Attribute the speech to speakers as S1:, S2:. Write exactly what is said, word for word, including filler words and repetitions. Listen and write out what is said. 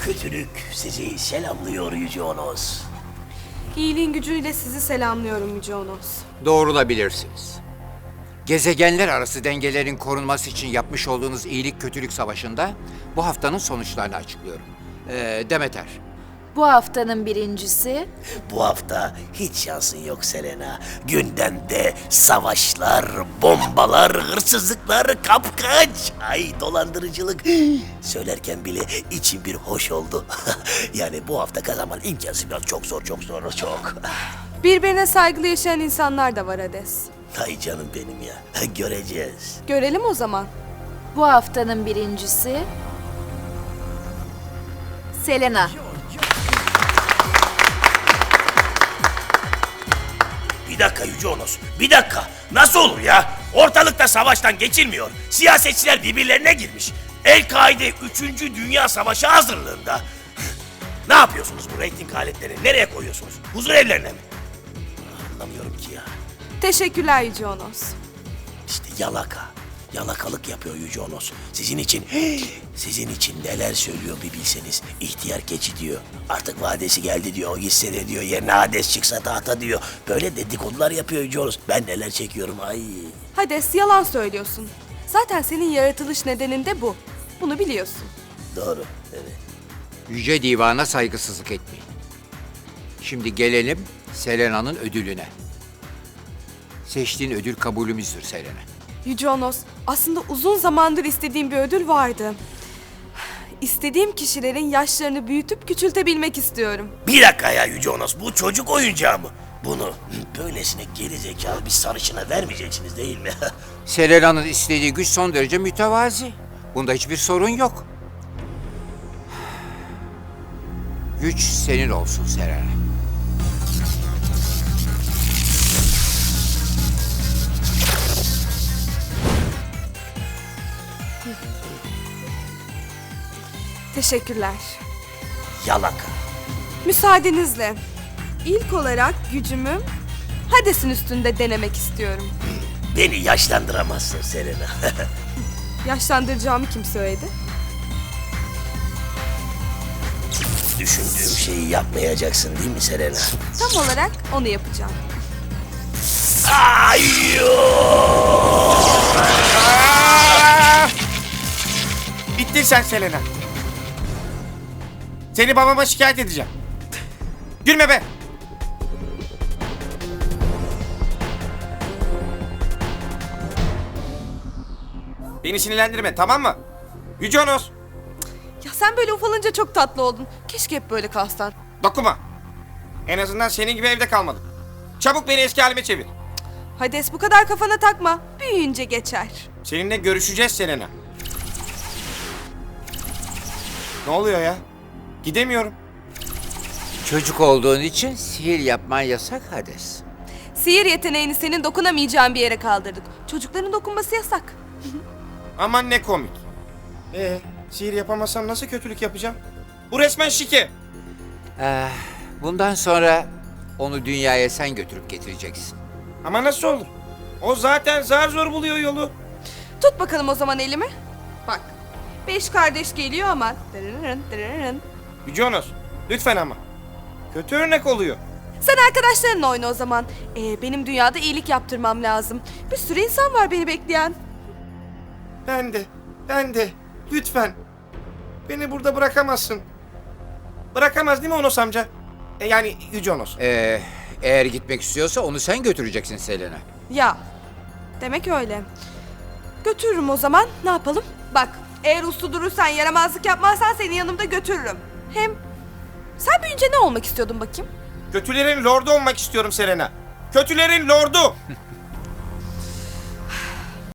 S1: kötülük sizi selamlıyor Yüce Onos.
S2: İyiliğin gücüyle sizi selamlıyorum Yüce Onos.
S3: Doğrulabilirsiniz. Gezegenler arası dengelerin korunması için yapmış olduğunuz iyilik kötülük savaşında bu haftanın sonuçlarını açıklıyorum. Ee, Demeter,
S4: Bu haftanın birincisi
S1: Bu hafta hiç şansın yok Selena. Gündemde savaşlar, bombalar, hırsızlıklar, kapkaç, ay dolandırıcılık. Söylerken bile içim bir hoş oldu. Yani bu hafta kazanman imkansız, biraz çok zor, çok zor, çok.
S2: Birbirine saygılı yaşayan insanlar da var Hades.
S1: Ay canım benim ya, göreceğiz.
S2: Görelim o zaman.
S4: bu haftanın birincisi Selena.
S1: Bir dakika Yüce Onos, bir dakika. Nasıl olur ya? Ortalıkta savaştan geçilmiyor. Siyasetçiler birbirlerine girmiş. El-Kaide üçüncü. Dünya Savaşı hazırlığında. Ne yapıyorsunuz bu reyting aletlerini? Nereye koyuyorsunuz? Huzur evlerine mi? Anlamıyorum ki ya.
S2: Teşekkürler Yüce Onos.
S1: İşte yalaka. Yalakalık yapıyor Yüce Onos. Sizin için, sizin için neler söylüyor bir bilseniz. İhtiyar keçi diyor. Artık vadesi geldi diyor. O gitse de diyor. Yerine Hades çıksa tahta diyor. Böyle dedikodular yapıyor Yüce Onos. Ben neler çekiyorum ay.
S2: Hades, yalan söylüyorsun. Zaten senin yaratılış nedenin de bu. Bunu biliyorsun.
S1: Doğru, evet.
S3: Yüce Divan'a saygısızlık etmeyin. Şimdi gelelim Selena'nın ödülüne. Seçtiğin ödül kabulümüzdür Selena.
S2: Yüce Onos, aslında uzun zamandır istediğim bir ödül vardı. İstediğim kişilerin yaşlarını büyütüp küçültebilmek istiyorum.
S1: Bir dakika ya Yüce Onos. Bu çocuk oyuncağı mı? Bunu böylesine geri zekalı bir sarışına vermeyeceksiniz değil mi?
S3: Selena'nın istediği güç son derece mütevazi. Bunda hiçbir sorun yok. Güç senin olsun Selena.
S2: Teşekkürler.
S1: Yalaka.
S2: Müsaadenizle. İlk olarak gücümü Hades'in üstünde denemek istiyorum.
S1: Beni yaşlandıramazsın Selena.
S2: Yaşlandıracağımı kim söyledi?
S1: Düşündüğüm şeyi yapmayacaksın değil mi Selena?
S2: Tam olarak onu yapacağım.
S1: Ayyo!
S5: Bittin sen Selena. Seni babama şikayet edeceğim. Gülme be. Beni sinirlendirme, tamam mı? Yüce Onos,
S2: Ya sen böyle ufalınca çok tatlı oldun. Keşke hep böyle kalsan.
S5: dokunma. En azından senin gibi evde kalmadım. Çabuk beni eski halime çevir.
S2: Hades, bu kadar kafana takma. Büyüyünce geçer.
S5: Seninle görüşeceğiz Selena. Ne oluyor ya? Gidemiyorum.
S3: Çocuk olduğun için sihir yapman yasak Hades.
S2: Sihir yeteneğini senin dokunamayacağın bir yere kaldırdık. Çocukların dokunması yasak.
S5: Aman ne komik. Ee, sihir yapamazsam nasıl kötülük yapacağım? Bu resmen şike.
S3: Eh, bundan sonra onu dünyaya sen götürüp getireceksin.
S5: Ama nasıl olur? O zaten zar zor buluyor yolu.
S2: Tut bakalım o zaman elimi. Bak. Beş kardeş geliyor ama. Dırırırın, dırırırın.
S5: Yüce Onos, lütfen ama. Kötü örnek oluyor.
S2: Sen arkadaşlarınla oyna o zaman. Ee, benim dünyada iyilik yaptırmam lazım. Bir sürü insan var beni bekleyen.
S5: Ben de, ben de. Lütfen. Beni burada bırakamazsın. Bırakamaz değil mi Onos amca? E, yani Yüce Onos.
S3: Ee, eğer gitmek istiyorsa onu sen götüreceksin Selena.
S2: Ya. Demek öyle. Götürürüm o zaman. Ne yapalım? Bak. Eğer uslu durursan, yaramazlık yapmazsan seni yanımda götürürüm. Hem sen büyüyünce ne olmak istiyordun bakayım?
S5: Kötülerin lordu olmak istiyorum Selena. Kötülerin lordu.